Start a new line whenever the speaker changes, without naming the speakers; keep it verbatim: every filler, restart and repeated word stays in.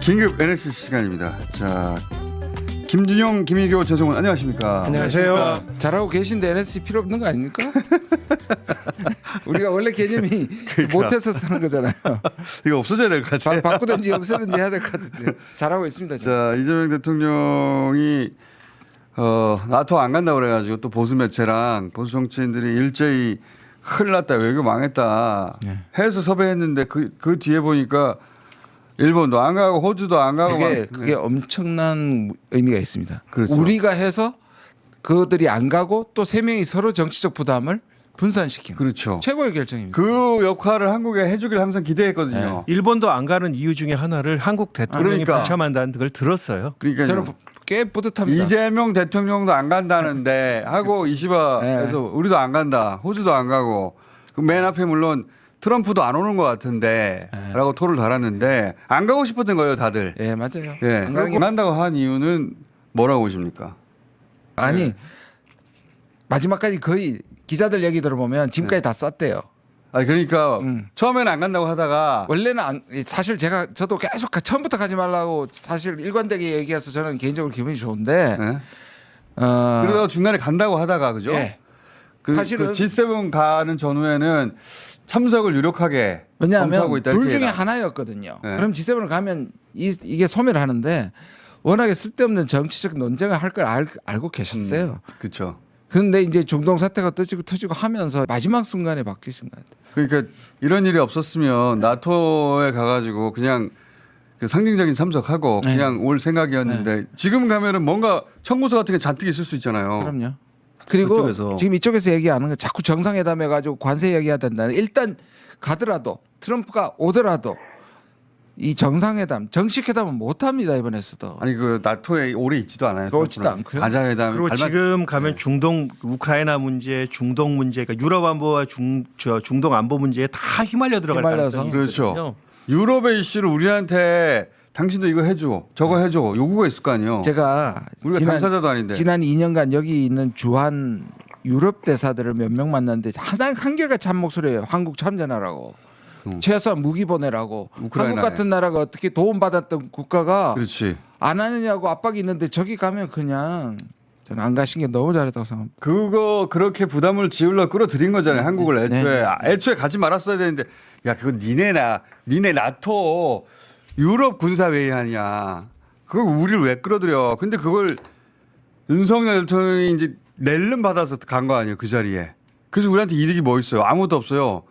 긴급 엔에스씨 시간입니다. 자, 김준영, 김희교, 최성훈 안녕하십니까?
안녕하세요.
잘하고 계신데 엔에스씨 필요 없는 거 아닙니까? 우리가 원래 개념이
그러니까.
못해서 쓰는 거잖아요.
이거 없어져야 될 것 같아요.
바, 바꾸든지 없애든지 해야 될 것 같은데 잘하고 있습니다. 지금.
자, 이재명 대통령이 어, 나토 안 간다고 그래가지고 또 보수 매체랑 보수 정치인들이 일제히 큰일 났다, 외교 망했다
네.
해서 섭외했는데 그, 그 뒤에 보니까 일본도 안 가고 호주도 안 가고
그게
막-
그게 엄청난 의미가 있습니다.
그렇죠.
우리가 해서 그들이 안 가고 또 세 명이 서로 정치적 부담을 분산시키는
그렇죠.
최고의 결정입니다.
그 역할을 한국에 해주길 항상 기대했거든요.
일본도 안 가는 이유 중에 하나를 한국 대통령이
그러니까.
불참한다는 걸 들었어요.
그러니까
저는 꽤 뿌듯합니다.
이재명 대통령도 안 간다는데 하고 이시바에서
네.
우리도 안 간다, 호주도 안 가고 그 맨 앞에 물론 트럼프도 안 오는 것 같은데라고 토를 달았는데 안 가고 싶었던 거예요, 다들.
예 맞아요.
예,
안 가는 게
안 간다고 한 이유는 뭐라고 보십니까?
아니
네.
마지막까지 거의 기자들 얘기 들어보면 지금까지 다 쌌대요.
아 그러니까
음.
처음에는 안 간다고 하다가
원래는 안, 사실 제가 저도 계속 가- 처음부터 가지 말라고 사실 일관되게 얘기해서 저는 개인적으로 기분이 좋은데
네.
어,
그러다가 중간에 간다고 하다가 그죠?
예.
그,
사실은-
그 지 세븐 가는 전후에는 참석을 유력하게
왜냐하면
검토하고 있다
둘
이렇게
중에
해라.
하나였거든요.
네.
그럼 지 세븐을 가면 이, 이게 소멸을 하는데 워낙에 쓸데없는 정치적 논쟁을 할 걸 알고 계셨어요.
그렇죠.
그런데 이제 중동 사태가 터지고 터지고 하면서 마지막 순간에 바뀌신 것 같아요.
그러니까 이런 일이 없었으면 나토에 가가지고 그냥 그 상징적인 참석하고
네.
그냥 올 생각이었는데 지금 가면은 뭔가 청구서 같은 게 잔뜩 있을 수 있잖아요.
그럼요. 그리고
그쪽에서.
지금 이쪽에서 얘기하는 건 자꾸 정상회담 해가지고 관세 얘기해야 된다는 일단 가더라도 트럼프가 오더라도 이 정상회담 정식 회담은 못합니다 이번에서도.
아니 그 나토에 오래 있지도 않아요.
오지도 않고요.
가자회담
그리고
발만-
지금 가면 중동 우크라이나 문제, 중동 문제, 그러니까 유럽 안보와 중, 저 중동 안보 문제에 다 휘말려 들어갈
휘말려서.
가능성이
그렇죠.
있거든요.
유럽의 이슈를 우리한테 당신도 이거 해줘, 저거 해줘 요구가 있을 거 아니에요.
제가
우리가 당사자도 아닌데.
지난 이 년간 여기 있는 주한 유럽 대사들을 몇 명 만났는데 하나 한결같이 한 목소리예요. 한국 참전하라고.
음.
최소한 무기 보내라고.
우크라이나에.
한국 같은 나라가 어떻게 도움받았던 국가가
그렇지.
안 하느냐고 압박이 있는데 저기 가면 그냥 저는 안 가신 게 너무 잘했다고 생각합니다.
그거 그렇게 부담을 지으려 끌어들인 거잖아요. 한국을
네,
애초에
네.
아, 애초에 가지 말았어야 되는데 야 그거 니네 나 니네 나토 유럽 군사 회의 하냐. 그걸 우리를 왜 끌어들여. 근데 그걸 윤석열 대통령이 이제 낼름 받아서 간 거 아니에요. 그 자리에. 그래서 우리한테 이득이 뭐 있어요. 아무것도 없어요.